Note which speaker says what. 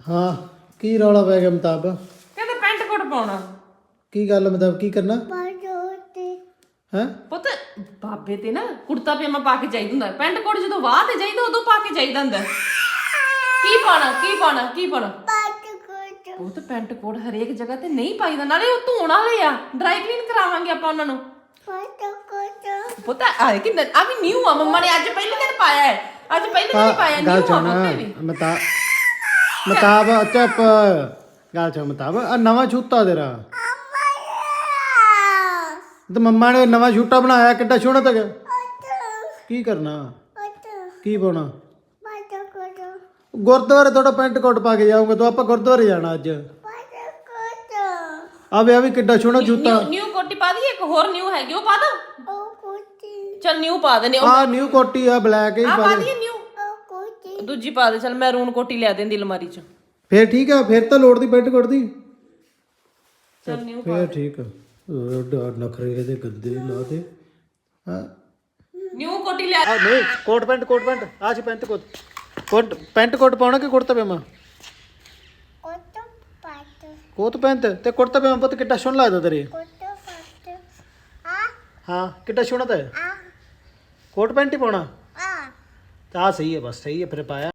Speaker 1: ਹਾਂ ਕੀ ਰੌਲਾ ਪੈ ਗਿਆ ਮਤਾਬ
Speaker 2: ਕਹਿੰਦੇ ਪੈਂਟ ਕੋਟ ਪਾਉਣਾ।
Speaker 1: ਕੀ ਗੱਲ ਮਤਲਬ ਕੀ ਕਰਨਾ ਹੈ
Speaker 2: ਪੁੱਤ ਬਾਬੇ ਤੇ ਨਾ ਕੁੜਤਾ ਪਜਾਮਾ ਪਾ ਕੇ ਚਾਹੀਦਾ ਹੁੰਦਾ, ਪੈਂਟ ਕੋਟ ਜਦੋਂ ਵਾਹ ਤੇ ਚਾਹੀਦਾ ਉਦੋਂ ਪਾ ਕੇ ਚਾਹੀਦਾ ਹੁੰਦਾ। ਕੀ ਪਾਣਾ ਕੀ ਪਾਣਾ ਕੀ ਪਾਣਾ? ਉਹ ਤਾਂ ਪੈਂਟ ਕੋਟ ਹਰੇਕ ਜਗ੍ਹਾ ਤੇ ਨਹੀਂ ਪਾਈਦਾ, ਨਾਲੇ ਉਹ ਧੋਣ ਵਾਲੇ ਆ, ਡਰਾਈ ਕਲੀਨ ਕਰਾਵਾਂਗੇ ਆਪਾਂ ਉਹਨਾਂ ਨੂੰ। ਪੁੱਤ ਆ ਕਿ ਆ ਵੀ ਨਿਊ ਆ, ਮੰਮਾ ਨੇ ਅੱਜ ਪਹਿਲੇ ਦਿਨ ਪਾਇਆ ਹੈ, ਅੱਜ ਪਹਿਲੇ ਦਿਨ ਪਾਇਆ ਨਿਊ ਆ ਪੁੱਤ ਵੀ।
Speaker 1: ਮਤਾਬ ਚੁੱਪ ਗੱਲ ਸੁਣ ਮਤਾਬ ਆ ਨਵਾਂ ਛੂਤਾ ਤੇਰਾ ਤੇ ਮੰਮਾ ਨੇ ਨਵਾਂ ਛੂਟਾ ਬਣਾਇਆ ਕਿੱਡਾ ਸੋਹਣਾ ਤੱਕ। ਕੀ ਕਰਨਾ ਕੀ ਪਾਉਣਾ? ਗੁਰਦੁਆਰੇ ਥੋੜਾ ਪੈਂਟ ਕੋਟ ਪਾ ਕੇ ਜਾਊਂਗਾ ਤੂੰ, ਆਪਾਂ ਗੁਰਦੁਆਰੇ ਜਾਣਾ ਅੱਜ। ਆ ਵੀ ਕਿੱਡਾ ਸੋਹਣਾ ਜੁੱਤਾ।
Speaker 2: ਨਿਊ ਕੋਟੀ ਪਾ ਦੀ, ਇੱਕ ਹੋਰ ਨਿਊ ਹੈਗੀ ਉਹ ਪਾ ਦਾਂ। ਚੱਲ ਨਿਊ ਪਾ ਦੇਨੇ
Speaker 1: ਆ ਨਿਊ ਕੋਟੀ ਆ ਬਲੈਕ ਹੀ
Speaker 2: ਪਾ ਦੀ ਨਿਊ, ਦੂਜੀ ਪਾ ਦੇ। ਚੱਲ ਮੈਰੂਨ ਕੋਟੀ ਲਿਆ ਦੇਂਦੀ ਅਲਮਾਰੀ ਚ,
Speaker 1: ਫੇਰ ਠੀਕ ਆ, ਫੇਰ ਤਾਂ ਲੋੜ ਦੀ ਪੈਂਟ ਕੋਟ ਦੀ।
Speaker 2: ਚੱਲ ਨਿਊ
Speaker 1: ਫੇਰ ਠੀਕ ਆ। ਨਖਰੇ ਦੇ ਗੰਦੇ ਲਾ ਦੇ। ਹਾਂ
Speaker 2: ਨਿਊ ਕੋਟੀ ਲਿਆ।
Speaker 1: ਨਹੀਂ ਕੋਟ ਪੈਂਟ ਆ ਸੀ ਪੈਂਟ ਕੋਟ ਪਾਉਣਾ ਕਿ ਕੁੜਤਾ ਪਜਾਮਾ? ਕੋਟ ਪੈਂਟ ਤੇ ਕੁੜਤਾ ਪਜਾਮਾ ਪੁੱਤ ਕਿੱਡਾ ਸੋਹਣਾ ਲੱਗਦਾ ਤੇਰੇ। ਹਾਂ ਕਿੱਡਾ ਸੋਹਣਾ ਤਾਂ ਕੋਟ ਪੈਂਟ ਹੀ ਪਾਉਣਾ। ਆ ਸਹੀ ਹੈ, ਬਸ ਸਹੀ ਹੈ ਫਿਰ ਪਾਇਆ।